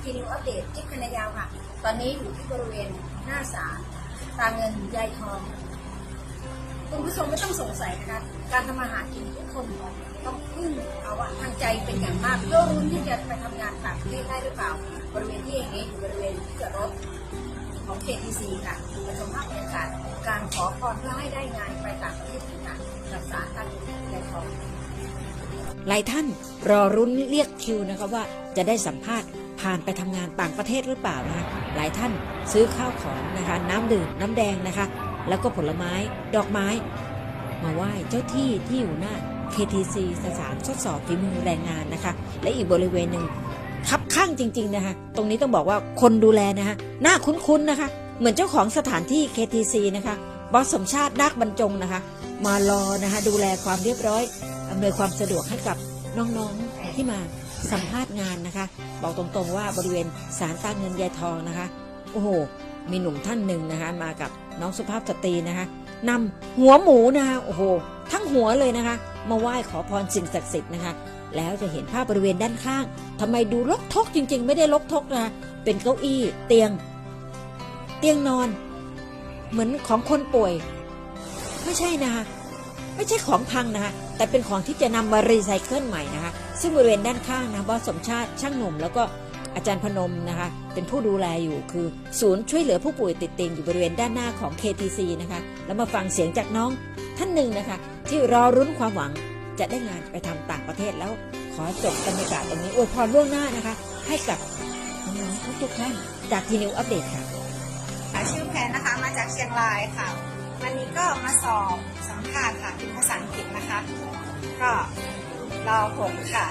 ทีนิวอัปเดตจิ๊บคณยาวค่ะตอนนี้อยู่ที่บริเวณหน้าศาลตาเงินยายทองคุณผู้ชมไม่ต้องสงสัยนะคะการทำมาหากินทุกคนต้องพึ่งเอาว่าทางใจเป็นอย่างมากเพื่อรุ่นที่จะไปทำงานต่างประเทศได้หรือเปล่าบริเวณที่อย่างนี้อยู่บริเวณที่จอดรถของ KTC ค่ะมาชมภาพบรรยากาศการขอพรเพื่อให้ได้งานไปต่างประเทศค่ะกับศาลตาเงินยายทองหลายท่านรอรุ้นเรียกคิวนะคะว่าจะได้สัมภาษณ์ผ่านไปทำงานต่างประเทศหรือเปล่านะคะหลายท่านซื้อข้าวของนะคะน้ำดื่มน้ำแดงนะคะแล้วก็ผลไม้ดอกไม้มาไหว้เจ้าที่ที่อยู่หน้า KTC สถานทดสอบฝีมือแรงงานนะคะและอีกบริเวณหนึ่งคับข้างจริงๆนะคะตรงนี้ต้องบอกว่าคนดูแลนะคะหน้าคุ้นๆนะคะเหมือนเจ้าของสถานที่ KTC นะคะบอสสมชาตินาคบรรจงนะคะมารอนะคะดูแลความเรียบร้อยอำนวยความสะดวกให้กับน้องๆที่มาสัมภาษณ์งานนะคะบอกตรงๆว่าบริเวณศาลตาเงินยายทองนะคะโอ้โหมีหนุ่มท่านหนึ่งนะคะมากับน้องสุภาพสตรีนะคะนำหัวหมูนะคะโอ้โหทั้งหัวเลยนะคะมาไหว้ขอพรสิ่งศักดิ์สิทธิ์นะคะแล้วจะเห็นภาพบริเวณด้านข้างทำไมดูรกทกจริงๆไม่ได้รกทกนะคะเป็นเก้าอี้เตียงนอนเหมือนของคนป่วยไม่ใช่นะคะไม่ใช่ของพังนะคะแต่เป็นของที่จะนำมารีไซเคิลใหม่นะคะซึ่งบริเวณด้านข้างนะบอสสมชาติช่างหนุ่มแล้วก็อาจารย์พนมนะคะเป็นผู้ดูแลอยู่คือศูนย์ช่วยเหลือผู้ป่วยติดเตียงอยู่บริเวณด้านหน้าของ KTC นะคะแล้วมาฟังเสียงจากน้องท่านหนึ่งนะคะที่รอรุ้นความหวังจะได้งานไปทำต่างประเทศแล้วขอจบบรรยากาศตรงนี้อวยพรล่วงหน้านะคะให้กับน้องๆทุกท่านจากทีนิวอัปเดตค่ะชื่อแพนนะคะมาจากเชียงรายค่ะวันนี้ก็มาสอบสัมภาษณ์ค่ะเป็นภาษาอังกฤษนะคะก็รอผลค่ะ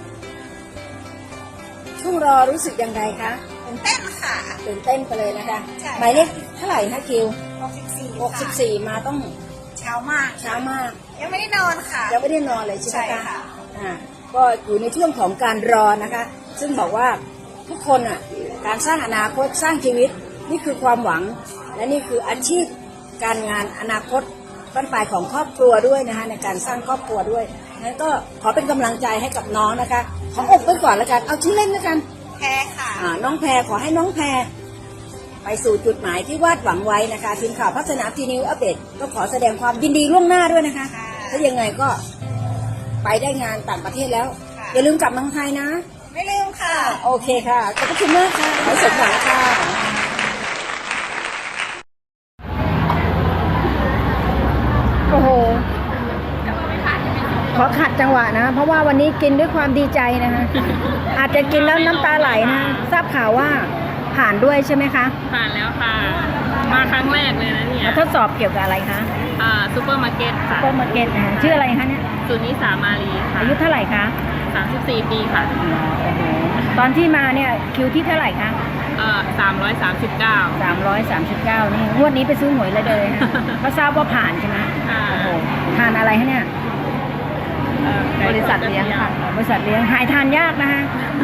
ช่วงรอรู้สึกยังไงคะตื่นเต้นค่ะตื่นเต้นไปเลยนะคะใช่หมายเลขเท่าไหร่คะคิว 64 มาต้องเช้ามากยังไม่ได้นอนค่ะยังไม่ได้นอนเลยใช่ไหมค่ะก็อยู่ในช่วงของการรอนะคะซึ่งบอกว่าทุกคนการสร้างอนาคตสร้างชีวิตนี่คือความหวังและนี่คืออาชีพการงานอนาคตบ้านปลายของครอบครัวด้วยนะคะในการสร้างครอบครัวด้วยงั้นก็ขอเป็นกำลังใจให้กับน้องนะคะขออกไปก่อนแล้วกันเอาชื่อเล่นแล้วกันแพรค่ะน้องแพรขอให้น้องแพรไปสู่จุดหมายที่วาดหวังไว้นะคะทีมข่าวพัฒนาทีนิวอัปเดตก็ขอแสดงความยินดีล่วงหน้าด้วยนะคะถ้ายังไงก็ไปได้งานต่างประเทศแล้วอย่าลืมกลับเมืองไทยนะไม่ลืมค่ะโอเคค่ะขอบคุณมากค่ะขอสมหวังค่ะโอ้โหขอขัดจังหวะนะเพราะว่าวันนี้กินด้วยความดีใจนะคะอาจจะกินแล้วน้ำตาไหลนะทราบข่าวว่าผ่านด้วยใช่ไหมคะผ่านแล้วค่ะมาครั้งแรกเลยนะเนี่ยทดสอบเกี่ยวกับอะไรคะซูเปอร์มาร์เก็ตค่ะซูเปอร์มาร์เก็ตชื่ออะไรคะเนี่ยสุนิสามาลีค่ะอายุเท่าไหร่คะ 34 ปีค่ะตอนที่มาเนี่ยคิวที่เท่าไหร่คะ 339 นี่งวดนี้ไปซื้อหวยเลยนะเขาทราบว่าผ่านใช่ไหมทานอะไรคะเนี่ยบริษัทเลี้ยงค่ะบริษัทเลี้ยงหายทานยากนะคะ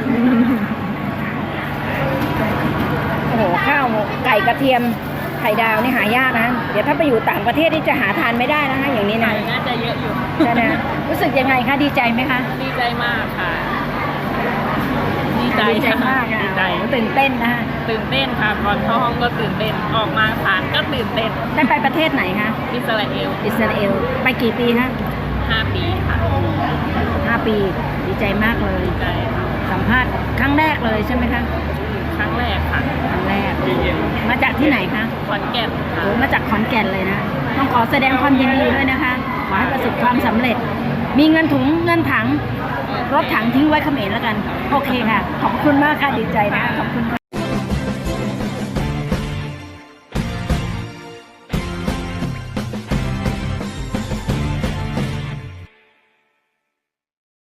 โอ้โหข้าวไก่กระเทียมไข่ดาวนี่หายากนะเดี๋ยวถ้าไปอยู่ต่างประเทศนี่จะหาทานไม่ได้นะคะอย่างนี้นะน่าจะเยอะอยู่ใช่ไหมรู้สึกยังไงคะดีใจไหมคะดีใจมากค่ะดีใจมากดีใจตื่นเต้นนะคะตื่นเต้นค่ะก่อนเข้าห้องก็ตื่นเต้นออกมาผ่านก็ตื่นเต้นได้ไปประเทศไหนคะอิสราเอลไปกี่ปีคะ 5 ปีค่ะ 5 ปีดีใจมากเลยดีใจสัมภาษณ์ครั้งแรกเลยใช่ไหมคะครั้งแรกค่ะครั้งแรกมาจากที่ไหนคะขอนแก่นค่ะมาจากขอนแก่นเลยนะต้องขอแสดงความยินดีด้วยนะคะขอให้ประสบความสำเร็จมีเงินถังรถถังทิ้งไว้เขมรแล้วกันโอเคค่ะขอบคุณมากค่ะดีใจนะขอบคุณ